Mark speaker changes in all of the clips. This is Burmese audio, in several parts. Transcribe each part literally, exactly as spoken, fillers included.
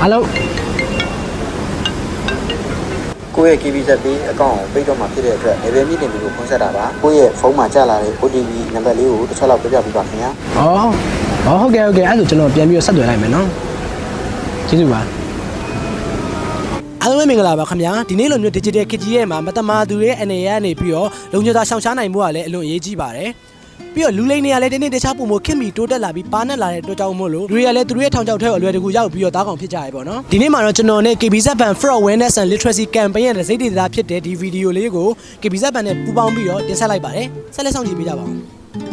Speaker 1: Hello
Speaker 2: ကိုယ့်ရဲ့ K B Z ပေးအကောင့်ကိုပိတ်တော့မှဖြစ်တဲ့အတွက် level meeting တွေကိုဖွင့်ဆက်တာပါကိုယ့်ရဲ့ဖုန်းမှာကြာလာတဲ့ O T P နံပါတ်လေးကိုတစ်ချက်လောက်ပြပြပေးပါခင်ဗျာ
Speaker 1: ။အော်။အော်ဟုတ်ကဲ့ဟုတ်ကဲ့အဲ့ဒါဆိုကျွန်တော်ပြန်ပြီးဆက်သွယ်လိုက်မယ်နော်။ကျေးဇူးပါ။အားလုံးမင်္ဂလာပါခင်ဗျာဒီနေ့လိုမျိုး digital ခကြီးရဲ့မှာမတမာသူရဲ့အနေရကနေပြီးတော့လုံခြုံသာရှောင်ရှားနိုင်မှုကလည်းအလွန်အရေးကြီးပါတယ်ပြီးတော့လူလိမ့်တွေကလည်းတနေ့တခြားပုံမခင်မီတိုးတက်လာပြီးပါနဲ့လာတဲ့အတွက်ကြောင့်မို့လို့လူတွေကလည်းသူတို့ရဲ့ထောင်ချောက်ထဲကိုအလွယ်တကူရောက်ပြီးတော့တားကောင်ဖြစ်ကြရပေါ့နော်ဒီနေ့မှာတော့ကျွန်တော်နဲ့ K B Z Bank Fraud Awareness and Literacy Campaign ရဲ့စိတ်ဒေသဖြစ်တဲ့ဒီဗီဒီယိုလေးကို K B Z Bank နဲ့ပူးပေါင်းပြီးတော့တင်ဆက်လိုက်ပါတယ်ဆက်လက်ဆောင်ကြည့်ပေးကြပါဦး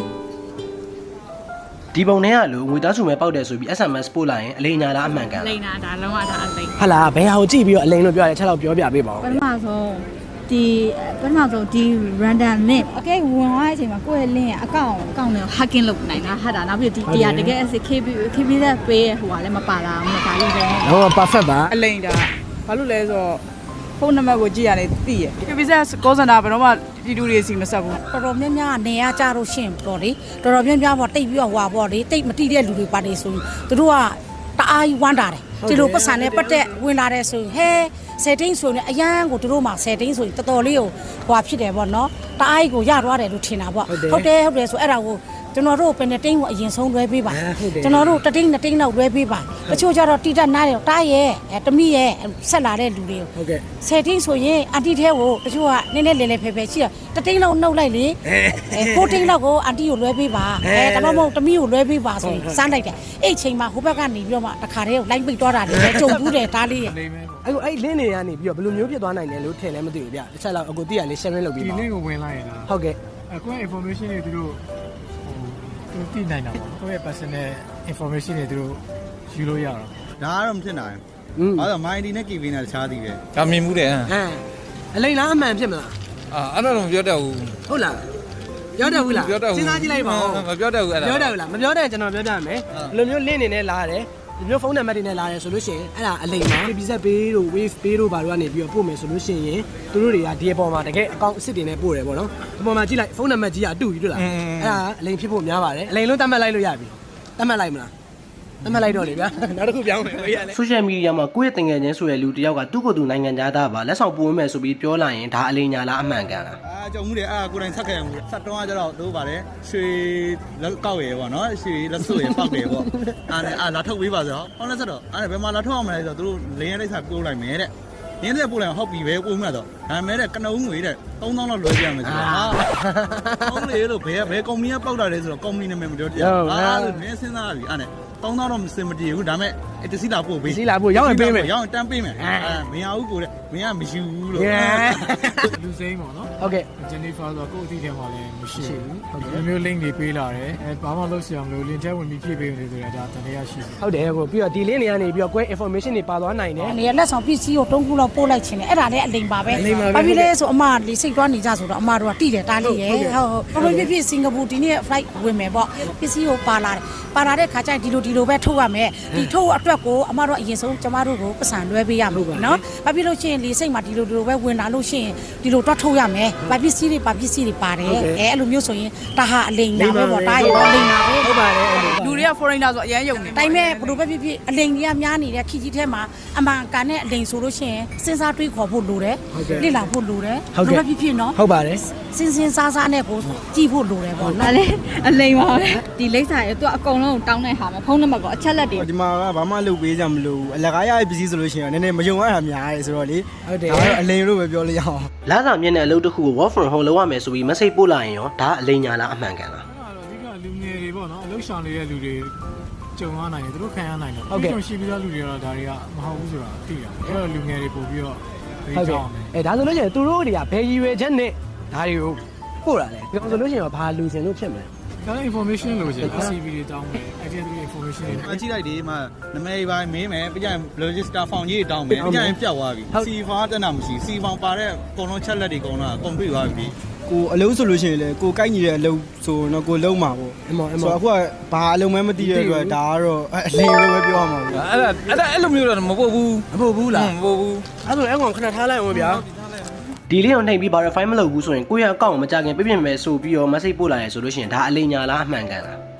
Speaker 1: ဒီပုံထဲကလို့ငွေသားစုမဲပေါက်တယ်ဆိုပြီး S M S ပို့လိုက်ရင်အလိမ်ညာလားအမှန်ကန်
Speaker 3: လိမ်တာဒါလုံးဝဒါအလိမ်
Speaker 1: ဟာလားဘယ်ဟာကိုကြည့်ပြီးတော့အလိမ်လို့ပြောရတယ်ချက်တော့ပြောပြပေးပါဦး
Speaker 3: ပထမဆုံးဒီပထမဆုံးဒီ random link အကဲဝင်သွားတဲ့အချိန်မှာကိုယ့်ရဲ့ link ရဲ့အကောင့်အကောင့်နဲ့ hacking လုပ်နိုင်တာဟာတာနောက်ပြီးဒီတရားတကယ် K B K B Z ပေးရဟိုကလည်းမပါလာဘူးဒါလို့ပဲ
Speaker 1: တော့ perfect ပါ
Speaker 4: အလိမ်တာဘာလို့လဲဆိုတော့ဖုန်းနံပါတ်ကိုကြည့်ရတယ်သိရ K B Z call center ဘယ်တော့မှပြည်သူတွေစီမဆက်ဘူး
Speaker 5: တော်တော်များများနေရကြလို့ရှင့်ပေါ့လေတော်တော်များများပေါ့တိတ်ပြီးတော့ဟွာပေါ့လေတိတ်မတိတဲ့လူတွေပါတယ်ဆိုရင်သူတို့ကတအားကြီးဝမ်းတာတယ်ဒီလိုပတ်စံနဲ့ပတ်သက်ဝင်လာတဲ့ဆိုရင်ဟဲsetting ဆိုရင်အရန်ကိုသူတို့မှာ setting ဆိုရင်တော်တော်လေးကိုဟွာဖြစ်တယ်ပေါ့နော်တအားကြီးကိုရသွားတယ်လို့ထင်တာပေါ့ဟုတ်တယ်ဟုတ်တယ်ဆိုအဲ့ဒါကိုကျွန်တော်တို့ပင်နဲ့တင်းကိုအရင်ဆုံးလွှဲပေးပါကျွန်တော်တို့တတင်းနဲ့တင်းတော့လွှဲပေးပါတချို့ကျတော့တိတက်နားတယ်တားရဲ့တမိရဲ့ဆက်လာတဲ့လူတွေကို
Speaker 1: ဟုတ်ကဲ့
Speaker 5: setting ဆိုရင်အန်တီထဲကိုတချို့ကနည်းနည်းလေလေဖယ်ဖယ်ရှိတာတတင်းလောက်နှုတ်လိုက်လေအဲကိုတင်းလောက်ကိုအန်တီကိုလွှဲပေးပါအဲဒါမှမဟုတ်တမိကိုလွှဲပေးပါဆိုရင်စမ်းလိုက်တယ်အဲ့ချိန်မှာဟိုဘက်ကနေပြီးတော့မှတခါတည်းကိုလိုက်ပိတ်သွားတာလေကြုံဘူးတယ်တားလေးရဲ့
Speaker 1: အဲ့ကိုအဲ့ link တွေကနေပြီးတော့ဘယ်လိုမျိုးဖြစ်သွားနိုင်လဲလို့ထင်လည်းမသိဘူးဗျတစ်ချက်လောက်အကိုတိရလေး sharing လုပ်ပြီးပါ
Speaker 6: ဒီ link ကိုဝင်လိုက်ရင်လား
Speaker 1: ဟုတ်ကဲ့
Speaker 6: အခု information တွေသူတို့ဟိုသူသိနိုင်တာပေါ့ကိုယ့်ရဲ့ personal information တွေသူတို့ယူလို့ရတော့
Speaker 2: ဒါကတော့မဖြစ်နိုင်ဘူးအဲ့တော့ my id နဲ့ K B နဲ့တခြားသေးပဲ
Speaker 7: ဒါမြင်မှုတယ်ဟမ်
Speaker 1: ဟမ်အလိမ်လားအမှန်ဖြစ်မလား
Speaker 7: အာအဲ့တော့မပြောတတ်ဘူး
Speaker 1: ဟုတ်လားပြောတတ်ဘူးလားစဉ်းစားကြည့်လိုက်ပါဦး
Speaker 7: မပြောတတ်ဘူးအဲ့ဒါ
Speaker 1: ပြောတတ်ဘူးလားမပြောတတ်ကျွန်တော်ပြောပြမယ်ဘယ်လိုမျိုး link နေနဲ့လာရတယ်ဒီမျိုးဖုန်းနံပါတ်တွေနဲ့လာတယ်ဆိုလို့ရှိရင်အဲ့ဒါအလိမ်ပါ K B Z ပေးတို့ wave ပေးတို့ဘာတို့ကနေပြီးတော့ပို့မယ်ဆိုလို့ရှိရင်သူတို့တွေကဒီအပေါ်မှာတကယ်အကောင့်အစ်စ်တွေနဲ့ပို့တယ်ပေါ့နော်ဒီပေါ်မှာကြည့်လိုက်ဖုန်းနံပါတ်ကြီးကအတူကြီးတွေ့လားအဲ့ဒါအလိမ်ဖြစ်ဖို့များပါတယ်အလိမ်လို့တတ်မှတ်လိုက်လို့ရပြီတတ်မှတ်လိုက်မလားတတ်မှတ်လိုက်တော့လေဗျာနောက်တစ်ခုပြောင်းမယ်ဘေးရလဲ social media မှာကိုယ့်ရဲ့တင်ငယ်ချင်းဆိုတဲ့လူတယောက်ကသူ့ကိုယ်သူနိုင်ငံသားသားပါလက်ဆောင်ပို့မယ်ဆိုပြီးပြောလိုက်ရင်ဒါအလိမ်ညာလားအမှန်ကန်လား
Speaker 2: အာကြောင့်မှုတယ်အဲ့ကိုယ်တိုင်ဆက်ခဲ့ရမှုဆက်တော့ကြတော့တို့ပါတယ်ရွှေလက်ကောက်ရယ်ပေါ့နော်ရွှေလက်စွပ်ရယ်ပောက်တယ်ပေါ့အားနဲ့အာလာထုတ်ပေးပါဆိုတော့ဟောလက်ဆက်တော့အဲ့ဘယ်မှာလာထုတ်အောင်မလဲဆိုတော့တို့လင်းရတဲ့စာပို့လိုက်မယ်တဲ့ရင်းတဲ့ပို့လိုက်ဟုတ်ပြီပဲပို့မှတော့ဒါမဲ့တဲ့ကနုံငွေတဲ့သုံးသောင်းလောက်လွှဲပြရမယ်ဆိုတော့ဟာဟုတ်လေလို့ဘယ်ဘယ်ကုမ္ပဏီကပောက်တာလဲဆိုတော့ကုမ္ပဏီနာမည်မပြောပြအာလို့နင်းစဉ်းစားပြီအဲ့နဲ့သုံးသောင်းတော့မစင်မတည်ဘူးဒါမဲ့အတစီလာပို့ပေး
Speaker 1: စီလာပို့ရောက်ရင်ပေးမယ်
Speaker 2: ရောက်ရင်တန်းပေးမယ်အဲမရဘူးကိုတဲ့မင်းကမယူဘူးလို့
Speaker 6: လူစိမ်းပေါ့နော်
Speaker 1: ဟုတ်ကဲ့
Speaker 6: Jennifer ဆိုတော့ကိုယ့်အတိထဲမှာလည်းမရှိဘူးဒီမျိုး link တွေပေးလာတယ်အဲဘာမှလုပ်စရာမလို link ထဲဝင်ပြီးဖြည့်ပေးနေဆိုတာဒါတန်တရားရှိတယ်
Speaker 1: ဟုတ်တယ်ကိုပြီးတော့ဒီ link တွေကနေပြီးတော့ query information တွေပါသွားနိုင်တယ်
Speaker 5: နေလက်ဆောင်ပစ္စည်းကိုတုံးခုလောက်ပို့လိုက်ခြင်းနဲ့အဲ့ဒါလည်းအလိမ်ပါပဲဘာဖြစ်လဲဆိုအမလေးစိတ်သွားနေကြဆိုတော့အမတို့ကတိတယ်တားလေးရဲ့ဟုတ်ဟုတ်ဘာဖြစ်ဖြစ်စင်ကာပူဒီနေ့ flight ဝင်မယ်ပေါ့ပစ္စည်းကိုပါလာတယ်ပါလာတဲ့ခါကျရင်ဒီလိုဒီလိုပဲထုတ်ရမယ်ဒီထုတ်အတွက်ကိုအမတို့အရင်ဆုံးကျမတို့ကိုပတ်စံလွှဲပေးရမယ်နော်ဘာဖြစ်လို့ရှိရင်လေစိတ်မှာဒီလိုဒီလိုပဲဝင်လာလို့ရှိရင်ဒီလိုတော့ထုတ်ရမယ်ဘာပစ္စည်းတွေဘာပစ္စည်းတွေပါတယ်အဲအဲ့လိုမျိုးဆိုရင်ဒါဟာအလိမ်နာပဲပေါ့ဒါရဲ့တော့အလိမ်နာပဲ
Speaker 1: ဟုတ်ပါတယ်
Speaker 4: လူတွေက foreigner ဆိုအရန်ယုံနေ
Speaker 5: တိုင်းမဲ့ဘယ်လိုပဲဖြစ်ဖြစ်အလိမ်ကြီးကများနေတဲ့ခီကြီးထဲမှာအမှန်ကန်တဲ့အလိမ်ဆိုလို့ရှိရင်စဉ်းစားတွေးခေါ်ဖို့လိုတယ်လေ့လာဖို့လိုတယ်ဘယ်လိုပဲဖြစ်ဖြစ်နော်
Speaker 1: ဟုတ်ပါတယ်
Speaker 5: စဉ်းစဉ်းစားစားနဲ့ကိုကြည့်ဖို့လိုတယ်ပေါ့
Speaker 3: နော်လေအလိမ်ပါပဲဒီလိမ့်စာရဲ့သူကအကုန်လုံးတောင်းတဲ့ဟာမှာဖုန်းနံပါတ်ကအချက်လက်တွေ
Speaker 2: ဒီမှာကဘာမှလုပ်ပေးကြမလို့အလကားရရဲ့ပစ္စည်းဆိုလို့ရှိရင်နည်းနည်းမယုံရတာများတယ်ဆိုတော့လေ
Speaker 1: ဟုတ်တယ်
Speaker 2: ဒါတော့အလိမ်လို့ပဲပြောလို့ရအောင်
Speaker 1: လာစာမြင့်တဲ့အလုပ်တစ်ခုကို work from home လုပ်ရမယ်ဆိုပြီး message ပို့လိုက်ရင်ရောဒါအလိမ်ညာလားအမှန်ကန်လား
Speaker 6: အဲ့ဒါတော့ဒီကလူငယ်တွေပေါ့နော်အလုပ်ဆောင်နေတဲ့လူတွေကြုံရနိုင်တယ်သူတို့ခံရနိုင်တယ်ဟုတ်ကဲ့ရှိပြီးသားလူတွေကတော့ဒါတွေကမဟုတ်ဘူးဆိုတာသိရတယ်အဲ့တော့လူငယ်တွေပို့ပြီးတော့
Speaker 1: ဟုတ်ကဲ့အဲဒါဆိုလို့ရှိရင်သူတို့တွေကဘယ်ရည်ရွယ်ချက်နဲ့ဒါတွေကိုပို့တာလဲပြောဆိုလို့ရှိရင်ဘာလူစင်လို့ဖြစ်မလဲ
Speaker 6: ဒါ information လို့ရှင် C V တွေတောင်းမယ် identity information တွေ
Speaker 2: အကြည့်လိုက်ဒီမှာနမည်ပိုင်းမင်းမယ်ပြကြရင် register form ကြီးတောင်းမယ်ပြကြရင်ပြတ်သွားပြီ C form တက်တာမရှိ C form ပါတဲ့ကုန်လုံးချက်လက်တွေကုန်တော့ complete သွားပြီကိုအလုံးဆိုလို့ရှိရင်လေကိုကိုက်ညီတဲ့အလုံးဆိုတော့ကိုလုံးမှာပေါ့
Speaker 1: အမောအမော
Speaker 2: ဆိုတော့အခုကဘာအလုံးမဲမသိတဲ့အတွက်ဒါကတော့အလိမ်လို့ပဲပြောရမှာပေါ့
Speaker 7: အဲ့ဒါအဲ့ဒါအဲ့လိုမျိုးတော့မပို့ဘူး
Speaker 1: မပို့ဘူးလား
Speaker 7: မပို့ဘူး
Speaker 1: အဲ့ဆိုအဲ့ကောင်ခဏထားလိုက်အောင်ဗျာဒီလေးကိုနှိပ်ပြီး verify မလုပ်ဘူးဆိုရင်ကိုယ့်ရဲ့အကောင့်ကိုမကြခင်ပြပြမယ်ဆိုပြီးတော့ message ပို့လာရဲဆိုလို့ရှိရင်ဒါအလိမ်ညာလားအမှန်ကန်လား
Speaker 2: က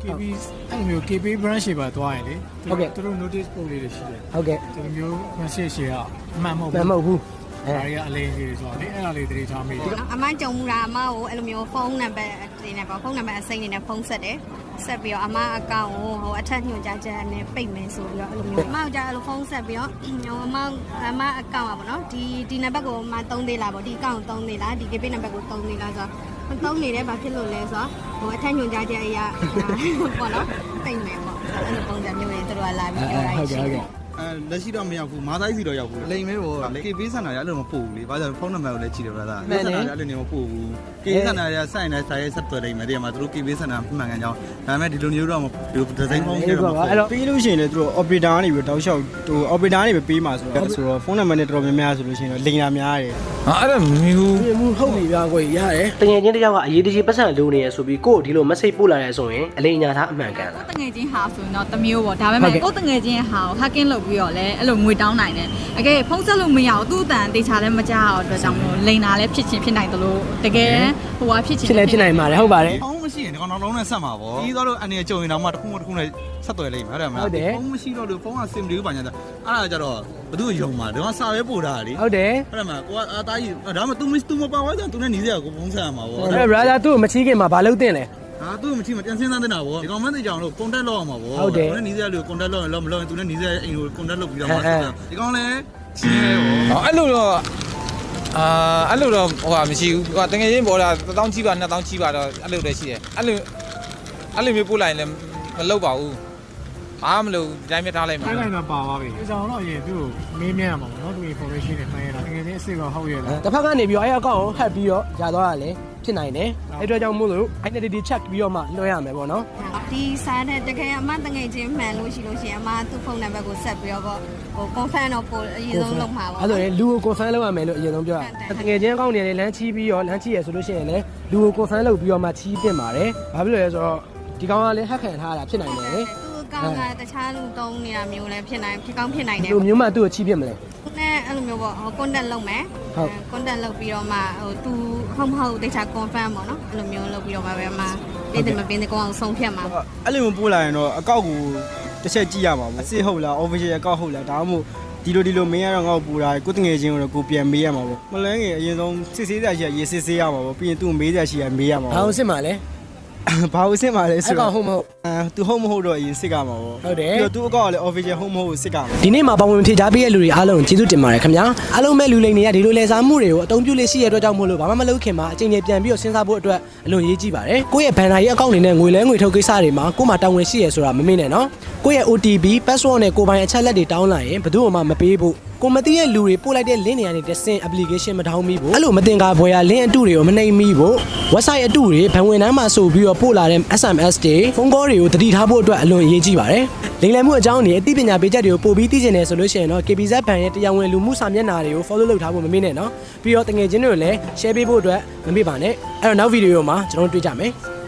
Speaker 6: K B အဲ့လိုမျိုး K B branch တွေပါသွားရင်လေသူတို့ notice ပို့လေးတွေရှိတယ်
Speaker 1: ဟုတ်ကဲ့
Speaker 6: ဒီလိုမျိုး message တွေကအမှန်မဟုတ်
Speaker 1: မ
Speaker 6: ဘူး
Speaker 1: မဟုတ်ဘူးအဲ
Speaker 6: ဒါတွေကအလေးကြီးတွေဆိုတော့လေအဲ့ဒါလေးတတိထားမိတယ်
Speaker 8: အမကြုံမှုတာအမကိုအဲ့လိုမျိုးဖုန်းနံပါတ်တွေနဲ့ပေါ့ဖုန်းနံပါတ်အစိမ်းတွေနဲ့ဖုန်းဆက်တယ်ဆက်ပြီးတော့အမအကောင့်ကိုဟိုအထက်ညွှန်ကြားချက်နဲ့ပိတ်မယ်ဆိုပြီးတော့အဲ့လိုမျိုးအမကကြာအဲ့လိုဖုန်းဆက်ပြီးတော့ဟိုအမအမအကောင့်อ่ะပေါ့နော်ဒီဒီနံပါတ်ကိုအမသုံးသေးလားပေါ့ဒီအကောင့်သုံးသေးလားဒီ K P နံပါတ်ကိုသုံးသေးလားဆိုတော့သုံးနေတယ်ဘာဖြစ်လို့လဲဆိုတော့ဟိုအထက်ညွှန်ကြားချက်အရာပေါ့နော်ပိတ်မယ်ပေါ့အဲ့လိုပုံစံမျိုးတွေသူတို့ကလာပြီးပြောတာရှိတယ်
Speaker 2: အဲလက်ရှိတော့မရောက်ဘူးမာသားစီတော့ရောက်ဘူးလိမ်မဲပေါ့လေ K B ဆန္ဒရအဲ့လိုမပို့ဘူးလေဘာကြောင့်ဖုန်းနံပါတ်ကိုလည်းကြည့်တယ်ဗျာဒါဆန္ဒရအဲ့လိုနေမပို့ဘူး K B ဆန္ဒရစိုက်နေဆိုင်ရဲဆက်သွယ်လိမ့်မယ်ဒီမှာသူတို့ K B ဆန္ဒမှန်ကန်ကြောင်းဒါပေမဲ့ဒီလိုမျိုးတော့ဒီဒီဇိုင်းဖုန်းတွေတော့
Speaker 1: အဲ့တော့
Speaker 9: ပြီးလို့ရှိရင်လည်းသူတို့ operator ကနေပြီးတောက်လျှောက်ဟို operator ကနေပဲပေးမှာဆိုတော့ဆိုတော့ဖုန်းနံပါတ်နဲ့တော်တော်များများဆိုလို့ရှိရင်တော့လိမ်တာများတယ်
Speaker 7: ဟာအဲ့ဒါမျိုး
Speaker 1: ဒီမှုဟုတ်ပြီဗျာကိုရတယ်တကယ်ချင်းတယောက်ကအရေးတကြီးပတ်စံလိုနေရဆိုပြီးကို့ဒီလို message ပို့လာရဲဆိုရင်အလိညာသားအမှန်ကန်လား
Speaker 3: တငယ်ချင်းဟာဆိုရင်တော့တမျိုးပေါ့ဒါပေမဲ့ကိုတငယ်ချင်းဟာကို hacking လုပ်ပြီးတော့လဲအဲ့လိုငွေတောင်းနိုင်တယ်အကဲဖုန်းဆက်လို့မရဘူးသူ့အတန်တေချာလည်းမကြောက်အတွက်ကြောင့်မို့လိန်တာလည်းဖြစ်ချင်းဖြစ်နိုင်တယ်လို့တကယ်ဟိုဟာဖြစ်ချင်း
Speaker 1: ဖြစ်လဲဖြစ်နိုင်ပါတယ်ဟုတ်ပါတယ်
Speaker 2: ဖုန်းမရှိရင်ဒီကောင်နောက်လုံးနဲ့ဆက်မှာပေါ့ပြီးတော့အနေနဲ့ကြုံရင်တော့မှတစ်ခုမှတစ်ခုနဲ့ဆက်သွယ်လိမ့်မယ်ဟုတ်တယ်မလားဖုန်းမရှိတော့လို့ဖုန်းက sim လေးပါညာအဲ့ဒါကြတော့ဘသူယုံမှာဒီကောင်စာပဲပို့တာလေ
Speaker 1: ဟုတ်တယ်
Speaker 2: ဟုတ်တယ်မလားကိုကအာသားကြီးဒါမှ तू မ तू မပါသွားကြ तू နဲ့ညီစရာကိုဖုန်းဆက်ရမှာပေါ့
Speaker 1: အဲ့ brother သူ့ကိုမချီးခင်မှာဘာလုပ်တင်လဲ
Speaker 2: ဟာသူ့မချိမပြန်စင်းစားတင်တာပေါ့ဒီကောင်မသိကြအောင်လို့ contact လုပ်အောင်ပါပေါ့သူနဲ့ညီစရာလို့ contact လုပ်ရင်လုပ်မလုပ်ရင် तू နဲ့ညီစရာအိမ်ကို contact လုပ်ပြီးတော့မှဒီကောင်လည်းချင်းရဲပေါ့
Speaker 7: အဲ့လိုတော့အာအဲ့လိုတော့ဟိုဟာမရှိဘူးဟိုတကယ်ချင်းပေါ်တာတစ်တောင်းကြီးပါနှစ်တောင်းကြီးပါတော့အဲ့လိုတည်းရှိတယ်အဲ့လိုအဲ့လိုမျိုးပို့လိုက်ရင်လည်းမလုပ်ပါဘူးဘာမှမလုပ်ဒီတိုင်းပဲထားလိုက်မှာ
Speaker 6: အဲ့ဒါတော့ပါသွားပြီအကြောင်းတော့အရင်သူ့ကိုမေးမြန်းရမှာပေါ့နော်သူ information တွေမှန်းရတာတကယ်ချင်းအစ်စ်ကဟုတ်ရဲ့လား
Speaker 1: တစ်ဖက်ကနေပြီးတော့အဲ့အကောင့်ကို hack ပြီးတော့ရသွားတာလေဖြစ်နိုင်တယ်အဲ့အတွက်ကြောင့်မို့လို့ identity check ပြီးတော့မှလွှဲရမယ်ပေါ့နော်
Speaker 8: ဒီစားတဲ့တကယ်အမတငယ်ချင်းမှန်လို့ရှိလို့ရှိရင်အမသူ့ဖုန်းနံပါတ်ကိုဆက်ပြီးတော့ဟို confirm တော့ပို့အရင်ဆုံးလုပ်မှာပါ
Speaker 1: အဲ့ဆိုရင်လူကို confirm လုပ်ရမယ်လို့အရင်ဆုံးပြောတာတကယ်ချင်းအကောင့်တွေလည်းလမ်းချီးပြီးတော့လမ်းချီးရဆိုလို့ရှိရင်လည်းလူကို confirm လုပ်ပြီးတော့မှချီးတင်ပါတယ်ဘာဖြစ်လို့လဲဆိုတော့ဒီကောင်ကလည်း hack ခံထားတာဖြစ်နိုင်တယ်လေ
Speaker 8: ကောင်းကတခြားလူတုံးနေတာမျိုးလည်းဖြစ်နိုင်ဖြစ်ကောင်းဖြစ်နိုင်တယ်
Speaker 1: လူမျိုးမှသူ့ကိုချီးပြစ်မလဲ
Speaker 8: နဲ့အဲ့လိုမျိုးပေါ့ဟို contact လုပ်မယ်
Speaker 1: ဟုတ်
Speaker 8: contact လုပ်ပြီးတော့မှဟို तू ဟုတ်မဟုတ်တခြား confirm ပေါ့နော်အဲ့လိုမျိုးလုပ်ပြီးတော့မှပဲမှတင်းတယ်မပင်းတဲ့ကောင်အောင်ဆုံးဖြတ်မှာ
Speaker 9: အဲ့လိုမျိုးပို့လာရင်တော့အကောက်ကိုတစ်ချက်ကြည့်ရမှာပေါ့အစ်ဟုတ်လား official အကောက်ဟုတ်လားဒါမှမဟုတ်ဒီလိုဒီလိုမင်းရတော့ငါ့ကိုပူတာကိုတငယ်ချင်းကိုတော့ကိုပြန်မေးရမှာပေါ့မလဲငယ်အရင်ဆုံးစစ်ဆေးစရာရှိရရေးစစ်ဆေးရမှာပေါ့ပြီးရင်သူ့ကိုမေးစရာရှိရမေးရမှာ
Speaker 1: ဘာ
Speaker 9: ပေါ့
Speaker 1: လို့စစ်မှာလဲ
Speaker 9: ဘာလို့စစ်မှာလဲဆို
Speaker 1: အကောင့်ဟုတ်မဟုတ်
Speaker 9: အဲသူဟုတ်မဟုတ်တော့အရင်စစ်ကမှာပေါ့
Speaker 1: ဟုတ်တယ်
Speaker 9: ပြီးတော့သူ့အကောက်ကလည်း official ဟုတ်မဟုတ်စစ်ကမှာ
Speaker 1: ဒီနေ့မှာပါဝင်ဖြေချပေးတဲ့လူတွေအားလုံးကျေးဇူးတင်ပါတယ်ခင်ဗျာအားလုံးပဲလူလိမ်တွေကဒီလိုလဲစားမှုတွေကိုအသုံးပြုလေးရှိရတဲ့အတွက်ကြောင့်မို့လို့ဘာမှမလုပ်ခင်မှာအချိန်ကြီးပြန်ပြီးတော့စဉ်းစားဖို့အတွက်အလွန်ရေးကြည့်ပါတယ်ကိုယ့်ရဲ့ဘန်နာရေးအကောင့်တွေနဲ့ငွေလဲငွေထုတ်ကိစ္စတွေမှာကိုယ်မှာတာဝန်ရှိရဆိုတာမမေ့နဲ့နော်ကိုယ့်ရဲ့ O T P password နဲ့ကိုယ်ပိုင်အချက်လက်တွေတောင်းလာရင်ဘယ်သူမှမပေးဖို့ကိုမသိတဲ့လူတွေပို့လိုက်တဲ့ link တွေကနေတဆင့် application မထောင်းမိဘူးအဲ့လိုမတင်ကားဘွယ်ရ link အတုတွေကိုမနှိမ်မိဖို့ website အတုတွေဘဏ်ဝင်တန်းမှာဆိုပြီးတော့ပို့လာတဲ့ S M S တွေဖုန်းကောတွေကိုတတိထားဖို့အတွက်အလွန်အရေးကြီးပါတယ်လိမ်လည်မှုအကြောင်းတွေအသိပညာပေးချက်တွေကိုပို့ပြီးသိချင်တယ်ဆိုလို့ရှိရင်တော့ K B Z ဘဏ်ရဲ့တရားဝင်လူမှုစာမျက်နှာတွေကို follow လုပ်ထားဖို့မမေ့နဲ့နော်ပြီးတော့တကယ်ချင်းတွေကိုလည်း share ပေးဖို့အတွက်မမေ့ပါနဲ့အဲ့တော့နောက်ဗီဒီယိုမှာကျွန်တော်တို့တွေ့ကြမယ်